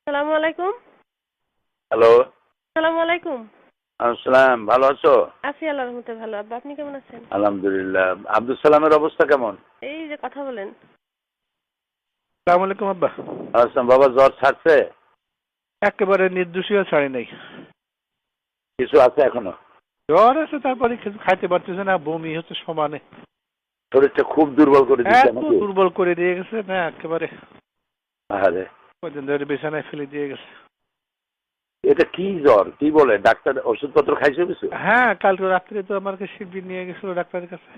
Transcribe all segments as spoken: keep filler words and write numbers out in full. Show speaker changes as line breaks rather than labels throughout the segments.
আসসালামু আলাইকুম।
হ্যালো।
আসসালামু আলাইকুম।
আসসালাম, ভালো আছো?
আছি আল্লাহর রহমতে ভালো। আব্বা আপনি কেমন আছেন?
আলহামদুলিল্লাহ। আব্দুল সালামের অবস্থা কেমন?
এই যে কথা বলেন।
আসসালামু আলাইকুম আব্বা।
আসসালাম। বাবা জ্বর ছাড়ছে?
একেবারে নির্দোষীয় ছাড়ি নাই।
কিছু আছে এখনো?
জ্বর আছে, তারপরে কিছু খাইতে পারতেছে না, বমি হচ্ছে সমানে।
শরীরটা খুব দুর্বল করে দিচ্ছে
এত
নাকি?
দুর্বল করে দিয়ে গেছে না একেবারে।
আরে
কদিন ধরে বিছানায় ফেলে দিয়ে গেছে।
এটা কি জ্বর? কি বলে ডাক্তার? ওষুধপত্র খাইছো কিছু?
হ্যাঁ, কালকে রাত্রে তো আমাকে শিবির নিয়ে গেছিল ডাক্তারের কাছে।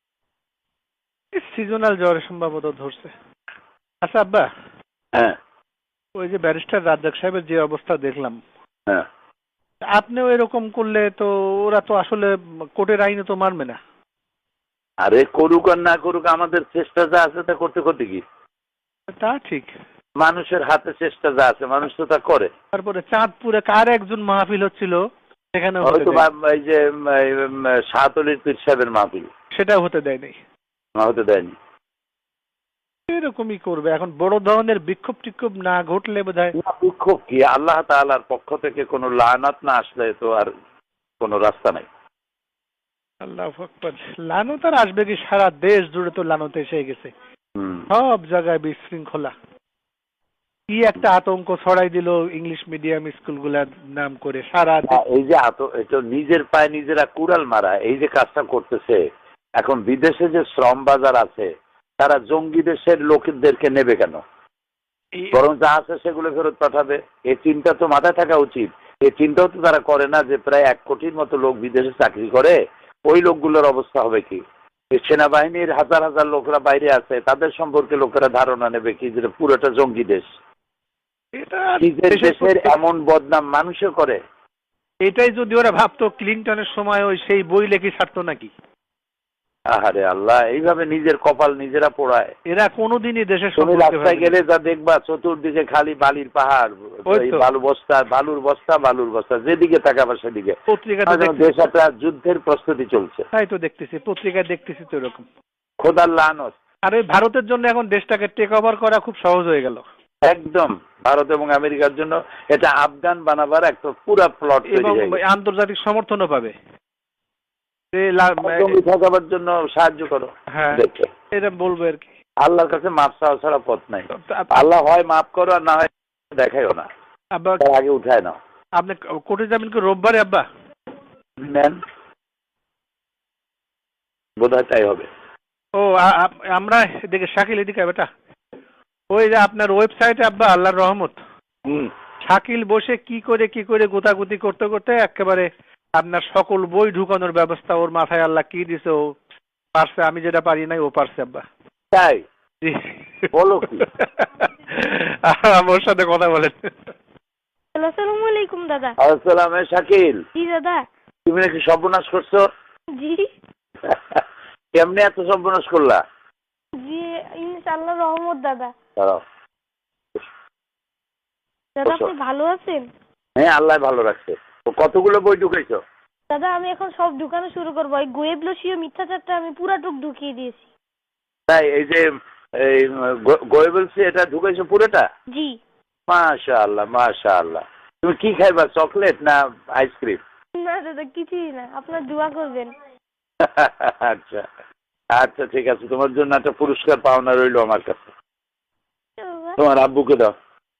সিজনাল জ্বর সম্ভবত ধরছে। আচ্ছা আব্বা,
হ্যাঁ
ওই যে ব্যারিস্টার রাজ্জাক সাহেবের যে অবস্থা দেখলাম,
হ্যাঁ।
আপনিও এরকম করলে তো ওরা তো আসলে কোর্টের আইনে তো মানবে না।
আরে করুক আর না করুক, আমাদের চেষ্টা যা আছে তা করতে করতে কি?
তা ঠিক।
মানুষের হাতে চেষ্টা যা আছে মানুষ তো তা করে।
তারপরে চাঁদপুরে কার একজন মাহফিল হচ্ছিল, সেখানে
হয়তো এই যে শাহতলির পীর সাহেবের মাহফিল,
সেটাও হতে দেয় নাই।
না হতে দেয়নি।
এরকমই করবে এখন, বড় ধরনের বিক্ষোভ টিক্ষোভ না ঘটলে বোধহয়।
বিক্ষোভ কি? আল্লাহ তাআলার পক্ষ থেকে কোনো লানাত না আসলে তো আর কোনো রাস্তা নাই।
আল্লাহু আকবার। লানত আর আসবে কি? সারা দেশ জুড়ে তো লানত এসে গেছে,
হুম।
সব জায়গায় বিশৃঙ্খলা। কি একটা আতঙ্ক ছড়াই দিল ইংলিশ মিডিয়াম স্কুলগুলার নাম করে সারা দেশ।
এই যে আত এটা নিজের পায়ে নিজেরা কুড়াল মারা, এই যে কাজটা করতেছে। এখন বিদেশে যে শ্রম বাজার আছে, তারা জঙ্গি দেশের লোকদেরকে নেবে কেন? বরং যা আছে সেগুলো ফেরত পাঠাবে। এই চিন্তা তো মাথায় থাকা উচিত। এই চিন্তাও তো তারা করে না যে প্রায় এক কোটির মতো লোক বিদেশে চাকরি করে, ওই লোকগুলোর অবস্থা হবে কি? সেনাবাহিনীর হাজার হাজার লোকরা বাইরে আছে, তাদের সম্পর্কে লোকেরা ধারণা নেবে কি যে পুরোটা জঙ্গি দেশ।
এটা
নিজের দেশের এমন বদনাম মানুষে করে।
এটাই যদি ওরা ভাবতো ক্লিনটনের সময় ওই সেই বই লেখি ছাড়তো নাকি?
আহারে আল্লাহ, এইভাবে নিজের কপাল নিজেরা পোড়ায়।
এরা কোনোদিনই দেশের
তুমি রাস্তায় গেলে যা দেখবা চতুর্দিকে খালি বালির পাহাড়, বালু বস্তা, বালুর বস্তা, বালুর বস্তা, যেদিকে তাকাবা সেদিকে।
পত্রিকাতে
দেশ একটা যুদ্ধের প্রস্তুতি চলছে।
তাই তো দেখতেছি, পত্রিকায় দেখতেছি তো এরকম।
খোদার লানত।
আর ওই ভারতের জন্য এখন দেশটাকে টেক ওভার করা খুব সহজ হয়ে গেল।
একদম ভারত এবং আমেরিকার জন্য এটা আফগান বানাবার একটা পুরা প্লট
এবং আন্তর্জাতিক সমর্থনও পাবে।
ঠকাবার জন্য সাহায্য করো।
হ্যাঁ, এটা বলবো আর কি।
আল্লাহর কাছে মাপ চাওয়া ছাড়া পথ নাই। আল্লাহ হয় মাফ করো আর না হয় দেখাইও না, আগে উঠায় নাও।
আপনি কোর্টে যাবেন কি রোববারে আব্বা?
নেন, বোধহয় তাই হবে।
ও আমরা এদিকে শাকিল এদিকে বেটা, ওই যে আপনার ওয়েবসাইটে আব্বা আল্লাহর রহমত, শাকিল বসে কি করে কি করে গোতাগুতি করতে করতে একেবারে আপনার সকল বই ঢুকানোর ব্যবস্থা ওর মাথায় আল্লাহ কি দিছে, ও পারছে। আমি যেটা পারি নাই ও পারছে আব্বা।
তাই বলো কি?
ওর সাথে কথা বলেন।
আসসালামু আলাইকুম দাদা।
আসসালাম। শাকিল।
জি দাদা।
তুমি নাকি সর্বনাশ করছো?
জি।
কেমনে এত সর্বনাশ করলা?
জি ইনশাআল্লাহ রহমত দাদা।
দাঁড়াও।
দাদা আপনি ভালো আছেন?
হ্যাঁ, আল্লাহ ভালো রাখছে। কতগুলো বই ঢুকাইছো?
দাদা আমি এখন সব ঢুকানো শুরু করবো। এই গোয়েবলসীয় মিথ্যাচারটা আমি পুরাটুক ঢুকিয়ে দিয়েছি।
তাই? এই যে এই গোয়েবলসি এটা ঢুকাইছো পুরোটা?
জি।
মাশাআল্লাহ মাশাআল্লাহ। তুমি কি খাইবা, চকলেট না আইসক্রিম?
না দাদা কিছুই না, আপনার দোয়া করবেন।
আচ্ছা আচ্ছা ঠিক আছে, তোমার জন্য একটা পুরস্কার পাওনা রইলো আমার কাছে। তোমার আব্বুকে দাও।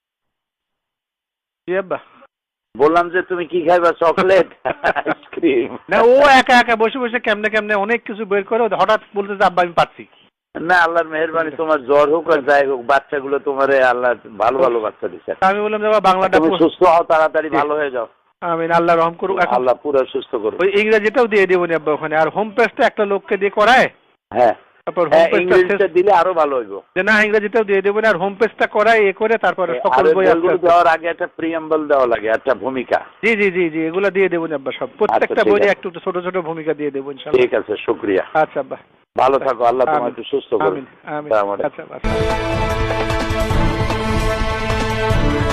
বললাম যে তুমি কি খাইবা, চকলেট আইসক্রিম?
না, ও একা একা বসে বসে কেমনে কেমনে অনেক কিছু বের করে, হঠাৎ বলতে যে আব্বা আমি পাচ্ছি
না। আল্লাহর মেহেরবানি, তোমার জ্বর হোক আর যাই হোক, বাচ্চাগুলো তোমার আল্লাহ ভালো ভালো বাচ্চা দিচ্ছে।
আমি বললাম যে বাংলাটা
তুমি সুস্থ হও, তাড়াতাড়ি ভালো হয়ে যাও।
আমিন, আল্লাহ রহম করুক।
আল্লাহ পুরো সুস্থ করুক।
ওই ইংরেজিটাও দিয়ে দেবো নি আব্বা ওখানে, আর হোম পেজটা একটা লোককে দিয়ে করায়।
হ্যাঁ,
তারপর হোম পেজটা
দিলে আরো ভালো হইব।
যে না ইংরেজিটাও দিয়ে দেবো না, আর হোম পেজটা করায় এ করে তারপরে সকল বই
দেওয়ার আগে একটা প্রিয়াম্বল দেওয়া লাগে, একটা ভূমিকা।
জি জি জি জি এগুলো দিয়ে দেবো আব্বা, সব প্রত্যেকটা বইয়ে একটু ছোট ছোট ভূমিকা দিয়ে দেবো ইনশাআল্লাহ।
ঠিক আছে, শুকরিয়া।
আচ্ছা আব্বা,
ভালো থাকো, আল্লাহ তোমাকে একটু সুস্থ করুন।
আমিন আমিন। আচ্ছা আচ্ছা।